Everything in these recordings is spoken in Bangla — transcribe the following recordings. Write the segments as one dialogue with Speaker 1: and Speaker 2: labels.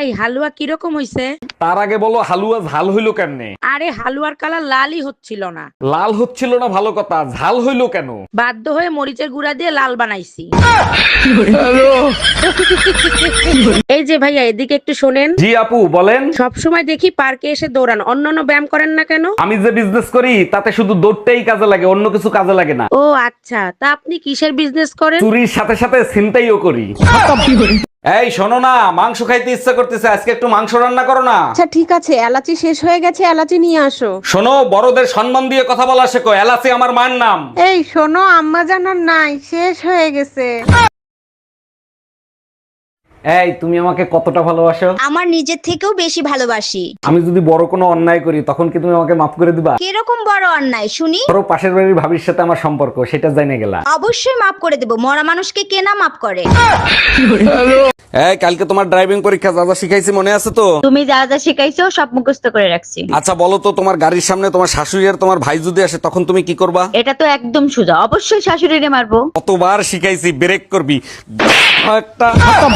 Speaker 1: ভাই হালুয়া কিরকম হইছে?
Speaker 2: তার আগে বলো হালুয়া ঝাল হইলো কেমনে?
Speaker 1: আরে হালুয়ার কালার লালই হচ্ছিল না।
Speaker 2: লাল হচ্ছিল না ভালো কথা, ঝাল হইলো কেন?
Speaker 1: বাধ্য হয়ে মরিচের গুঁড়া দিয়ে লাল বানাইছি। এই যে ভাইয়া এদিকে একটু শোনেন।
Speaker 2: জি আপু বলেন।
Speaker 1: সব সময় দেখি পার্কে এসে দৌড়ান, অন্যান্য ব্যায়াম করেন না কেন?
Speaker 2: আমি যে বিজনেস করি তাতে শুধু দৌড়টাই কাজে লাগে, অন্য কিছু কাজে লাগে না।
Speaker 1: ও আচ্ছা, তা আপনি কিসের বিজনেস করেন?
Speaker 2: চুরির সাথে সাথে ছিনতাইও করি। এই শোনো না, মাংস খাইতে ইচ্ছা করতেছে, আজকে একটু মাংস রান্না করো না।
Speaker 3: আচ্ছা ঠিক আছে, এলাচি শেষ হয়ে গেছে, এলাচি নিয়ে আসো।
Speaker 2: শোনো, বড়দের সম্মান দিয়ে কথা বলা শেখো, এলাচি আমার মায়ের নাম।
Speaker 3: এই শোনো, আম্মা জানার নাই, শেষ হয়ে গেছে।
Speaker 2: এই তুমি আমাকে কতটা ভালোবাসো?
Speaker 4: আমার নিজের থেকেও বেশি ভালোবাসি।
Speaker 2: আমি যদি বড় কোনো অন্যায় করি তখন কি তুমি আমাকে মাফ করে দিবা?
Speaker 4: কিরকম বড় অন্যায় শুনি?
Speaker 2: ধরো পাশের বাড়ির ভাবির সাথে আমার সম্পর্ক, সেটা জেনে গেলা।
Speaker 4: অবশ্যই মাফ করে দেব, মরা মানুষকে কে না মাফ করে।
Speaker 2: এই কালকে তোমার ড্রাইভিং পরীক্ষা, যা যা শিখাইছি মনে আছে তো?
Speaker 4: তুমি যা যা শিখাইছো সব মুখস্থ করে রাখছি।
Speaker 2: আচ্ছা বলো তো, তোমার গাড়ির সামনে তোমার শাশুড়ি আর তোমার ভাই যদি আসে তখন তুমি কি করবা?
Speaker 4: এটা তো একদম সোজা, অবশ্যই শাশুড়িরে মারবো।
Speaker 2: কতবার শিখাইছি, ব্রেক করবি একটা।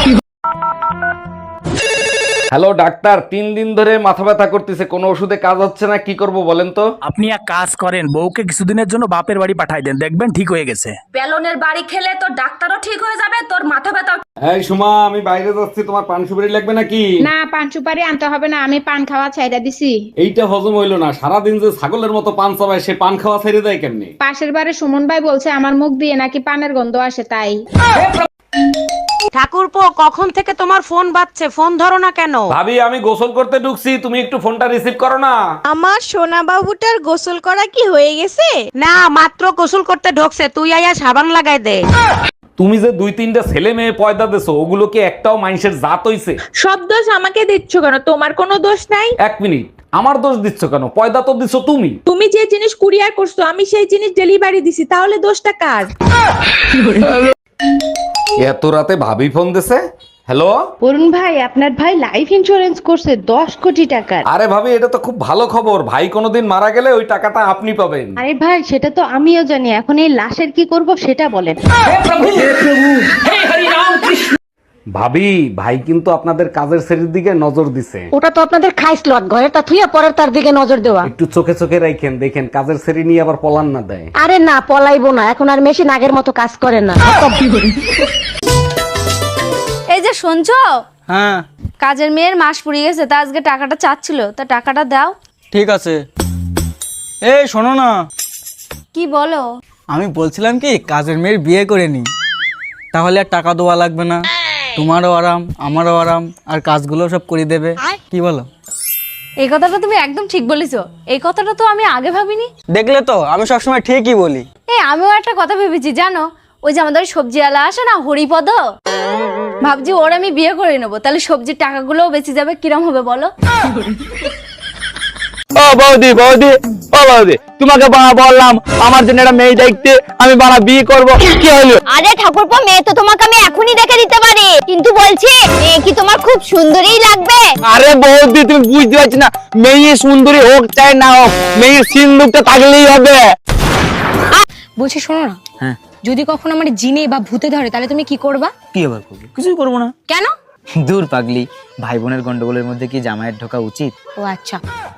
Speaker 2: হ্যালো ডাক্তার, 3 দিন ধরে মাথা ব্যথা করতেছে, কোনো ওষুধে কাজ হচ্ছে না, কি করব বলেন তো?
Speaker 5: আপনি এক কাজ করেন, বউকে কিছুদিনের জন্য বাপের বাড়ি পাঠাই দেন, দেখবেন ঠিক হয়ে গেছে।
Speaker 6: বেলনের বাড়ি খেলে তোর ডাক্তারও ঠিক হয়ে যাবে, তোর মাথা ব্যথা।
Speaker 2: এই সুমা, আমি বাইরে যাচ্ছি, তোমার পান সুপারি লাগবে নাকি?
Speaker 3: না, পান সুপারি আনতে হবে না, আমি পান খাওয়া ছাইড়া দিছি।
Speaker 2: এইটা হজম হইলো না, সারাদিন যে ছাগলের মতো পান চাবায়, সে পান খাওয়া ছেড়ে দেয় কেমনে?
Speaker 3: পাশের বাড়ি সুমন ভাই বলছে আমার মুখ দিয়ে নাকি পানের গন্ধ আসে, তাই।
Speaker 1: ঠাকুরপো, কখন থেকে তোমার ফোন বাজছে, ফোন ধরো না কেন?
Speaker 2: ভাবি আমি গোসল করতে ঢুকছি, তুমি একটু ফোনটা রিসিভ করো না।
Speaker 4: আমার সোনা বাবুটার গোসল করা কি হয়ে গেছে?
Speaker 1: না, মাত্র গোসল করতে ঢোকছে, তুই আয়া সাবান লাগাই দে।
Speaker 2: তুমি যে 2-3টা ছেলে মেয়ে পয়দা দেছো, ওগুলো কি একটাও মানুষের জাত হইছে?
Speaker 3: সব দোষ আমাকে দিচ্ছ কেন? তোমার কোনো দোষ নাই।
Speaker 2: 1 মিনিট, আমার দোষ দিচ্ছ কেন? পয়দা তো দিছো তুমি।
Speaker 3: তুমি যে জিনিস কুরিয়ার করছো আমি সেই জিনিস ডেলিভারি দিছি, তাহলে দোষটা কার?
Speaker 2: এত রাতে ভাবি ফোন দিছে। হ্যালো
Speaker 3: অরুণ ভাই, আপনার ভাই লাইফ ইন্স্যুরেন্স করছে 10 কোটি টাকার।
Speaker 2: আরে ভাবি, এটা তো খুব ভালো খবর, ভাই কোনোদিন মারা গেলে ওই টাকাটা আপনি পাবেন।
Speaker 3: আরে ভাই, সেটা তো আমিও জানি, এখন এই লাশের কি করব সেটা বলেন।
Speaker 2: ভাবি, ভাই কিন্তু আপনাদের কাজের শ্রেণীর দিকে নজর দিছে।
Speaker 1: ওটা তো আপনাদের খাইস লট, ঘরে তা থুইয়া পরের তার দিকে নজর দেওয়া।
Speaker 2: একটু চোখে চোখে রাখেন, দেখেন কাজের শ্রেণী নিয়ে আবার পলান না দেয়।
Speaker 1: আরে না, পলাইবো না, এখন আর মেশিন আগের মতো কাজ করে না।
Speaker 6: এই যে শুনছো,
Speaker 7: হ্যাঁ
Speaker 6: কাজের মেয়ের মাস পুড়িয়ে গেছে, তা আজকে টাকাটা চাচ্ছিল, তা টাকাটা দাও।
Speaker 7: ঠিক আছে। এই শোনো না,
Speaker 6: কি বলো?
Speaker 7: আমি বলছিলাম কি কাজের মেয়ের বিয়ে করে নি, তাহলে আর টাকা দেওয়া লাগবে না, তোমারও আরাম আমারও আরাম, আর কাজগুলো সব করে দেবে। কি বলো?
Speaker 6: এই কথাটা তুমি একদম ঠিক বলেছো, এই কথাটা তো আমি আগে ভাবিনি।
Speaker 7: দেখলে তো, আমি সবসময় ঠিকই বলি।
Speaker 6: আমিও একটা কথা ভেবেছি জানো, ওই যে আমাদের সবজিওয়ালা আসে না, হরিপদ, ভাবছি ওর আমি বিয়ে করে নেবো, তাহলে সবজির টাকাগুলোও বেঁচে যাবে। কিরম হবে বলো?
Speaker 7: ও বৌদি, বৌদি, ও বৌদি, তোমাকে বললাম আমার জন্য একটা মেয়ে দেখতে, আমি বিয়ে করব, কি হলো?
Speaker 4: আরে ঠাকুরপো, মেয়ে তো তোমাকে আমি এখনই দেখে দিতে পারি, কিন্তু বলছি মেয়ে কি তোমার খুব সুন্দরী লাগবে?
Speaker 7: আরে বৌদি, তুমি বুঝতে পারছি না, মেয়ে সুন্দরী হোক চাই না হোক, মেয়ের সিন্দুকটা থাকলেই হবে।
Speaker 8: বলছি শোনো না,
Speaker 7: হ্যাঁ
Speaker 8: যদি কখনো আমার জিনে বা ভূতে ধরে তাহলে তুমি কি করবা?
Speaker 7: কি আবার করবো? কিছুই করবো না।
Speaker 8: কেন?
Speaker 7: দূর পাগলি, ভাই বোনের গন্ডগোলের মধ্যে কি জামাইয়ের ঢোকা উচিত?
Speaker 8: ও আচ্ছা।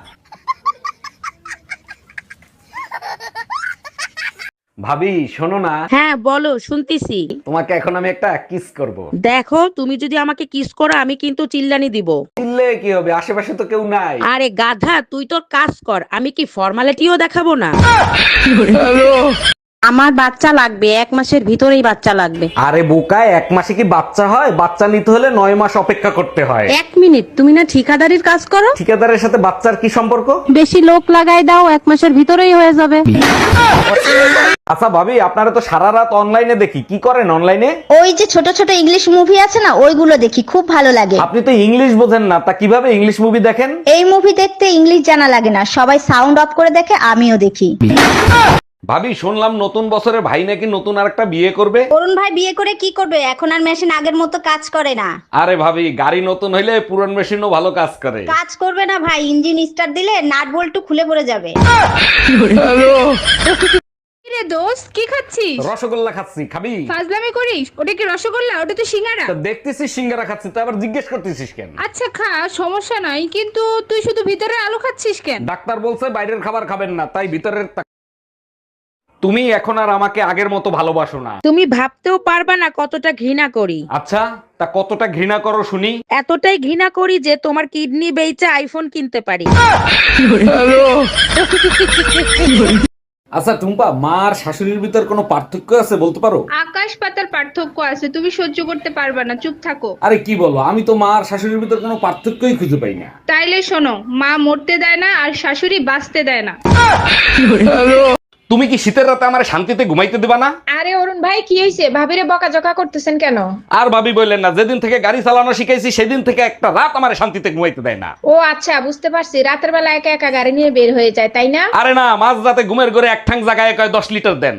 Speaker 2: ভাবি শোনো না।
Speaker 1: হ্যাঁ বলো, শুনতিছি।
Speaker 2: তোমাকে এখন আমি একটা কিস করব।
Speaker 1: দেখো, তুমি যদি আমাকে কিস করো আমি কিন্তু চিল্লানি দিব।
Speaker 2: চিল্লে কি হবে, আশেপাশে তো কেউ নাই।
Speaker 1: আরে গাধা, তুই তোর কাজ কর, আমি কি ফর্মালিটিও দেখাবো না? আমার বাচ্চা লাগবে, 1 মাসের ভিতরেই বাচ্চা লাগবে।
Speaker 2: আরে বোকায়, 1 মাসে কি বাচ্চা হয়? বাচ্চা নিতে হলে 9 মাস অপেক্ষা করতে হয়।
Speaker 1: 1 মিনিট, তুমি না ঠিকাদারির কাজ করো?
Speaker 2: ঠিকাদারের সাথে বাচ্চার কি সম্পর্ক?
Speaker 1: বেশি লোক লাগাই দাও, 1 মাসের ভিতরেই হয়ে যাবে।
Speaker 2: আচ্ছা ভাবি, আপনারা তো সারা রাত অনলাইনে দেখি, কি করেন অনলাইনে?
Speaker 4: ওই যে ছোট ছোট ইংলিশ মুভি আছে না, ওইগুলো দেখি, খুব ভালো লাগে।
Speaker 2: আপনি তো ইংলিশ বোঝেন না, তা কিভাবে ইংলিশ মুভি দেখেন?
Speaker 4: এই মুভি দেখতে ইংলিশ জানা লাগে না, সবাই সাউন্ড অফ করে দেখে, আমিও দেখি।
Speaker 2: ভাবি শুনলাম নতুন বছরে ভাই নাকি নতুন আরেকটা বিয়ে করবে।
Speaker 4: অরুণ ভাই বিয়ে করে কি করবে? এখন আর মেশিন আগের মতো কাজ করে না।
Speaker 2: আরে ভাবি, গাড়ি নতুন হইলে পুরান মেশিনও ভালো কাজ করে।
Speaker 4: কাজ করবে না ভাই, ইঞ্জিন স্টার্ট দিলে নাট বল্টু খুলে পড়ে যাবে।
Speaker 3: দোস্ত কি খাচ্ছিস?
Speaker 2: রসগোল্লা খাচ্ছি, খাবি?
Speaker 3: ফাজলামি করিস? ওটা কি রসগোল্লা? ওটা তো সিঙ্গারা।
Speaker 2: তা দেখতেছিস সিঙ্গারা খাচ্ছি, তো আবার জিজ্ঞেস করতেছিস কেন?
Speaker 3: আচ্ছা খা, সমস্যা নাই, কিন্তু তুই শুধু ভিতরে আলু খাচ্ছিস কেন?
Speaker 2: ডাক্তার বলছে বাইরের খাবার খাবেন না, তাই ভিতরের তুমি এখন আর আমাকে আগের মতো ভালোবাসো না।
Speaker 1: তুমি ভাবতেও পারবা না কতটা ঘৃণা করি।
Speaker 2: আচ্ছা, তা কতটা ঘৃণা করো শুনি?
Speaker 1: এতটাই ঘৃণা করি যে তোমার কিডনি বেচে আইফোন কিনতে পারি।
Speaker 2: আচ্ছা টুম্পা, মা আর শাশুড়ির ভিতর কোনো পার্থক্য আছে বলতে পারো?
Speaker 3: আকাশ পাতার পার্থক্য আছে, তুমি সহ্য করতে পারবা না, চুপ থাকো।
Speaker 2: আরে কি বলো, আমি তো মা আর শাশুড়ির ভিতর কোনো পার্থক্যই খুঁজে পাই না।
Speaker 3: তাইলে শোনো, মা মরতে দেয় না আর শাশুড়ি বাঁচতে দেয় না।
Speaker 2: তুমি কি শীতের রাতে আমার শান্তিতে ঘুমাইতে দিবা না?
Speaker 8: আরে অরুণ ভাই কি হয়েছে? ভাবিরে বকাঝকা করতেছেন কেন?
Speaker 2: আর ভাবি বললেন না, যেদিন থেকে গাড়ি চালানো শিখাইছি সেদিন থেকে একটা রাত আমার শান্তিতে ঘুমাইতে দেয় না।
Speaker 8: ও আচ্ছা, বুঝতে পারছি, রাতের বেলা একা একা গাড়ি নিয়ে বের হয়ে যায়, তাই না?
Speaker 2: আরে না, মাঝ রাতে ঘুমের ঘরে এক ঠাং জায়গায় কয় 10 লিটার দেন।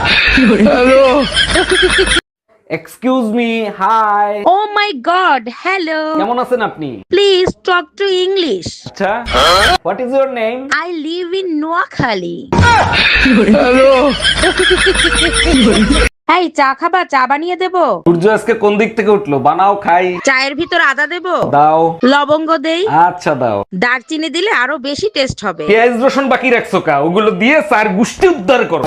Speaker 2: Excuse me, hi.
Speaker 1: Oh my God, hello.
Speaker 2: কেমন আছেন আপনি?
Speaker 1: Please talk to English.
Speaker 2: আচ্ছা, what is your name?
Speaker 1: I live in Noakhali. এই চা খাবা? চা বানিয়ে দেবো?
Speaker 2: সূর্য আজকে কোন দিক থেকে উঠলো? বানাও খাই।
Speaker 1: চায়ের ভিতর আদা দেবো?
Speaker 2: দাও।
Speaker 1: লবঙ্গ দেই?
Speaker 2: আচ্ছা দাও।
Speaker 1: দারচিনি দিলে আরো বেশি টেস্ট হবে।
Speaker 2: পেঁয়াজ রসুন বাকি রাখছো কা? ওগুলো দিয়ে চার গুষ্টি উদ্ধার করো।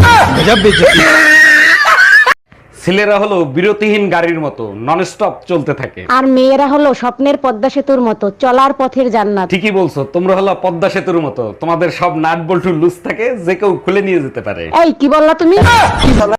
Speaker 2: ছেলেরা হলো বিরতিহীন গাড়ির মতো, নন স্টপ চলতে থাকে।
Speaker 9: আর মেয়েরা হলো স্বপ্নের পদ্মা সেতুর মতো, চলার পথের জান্নাত।
Speaker 2: ঠিকই বলছো, তোমরা হলো পদ্মা সেতুর মতো, তোমাদের সব নাট বল্টু লুজ থাকে, যে কেউ খুলে নিয়ে যেতে পারে।
Speaker 9: এই কি বললা তুমি?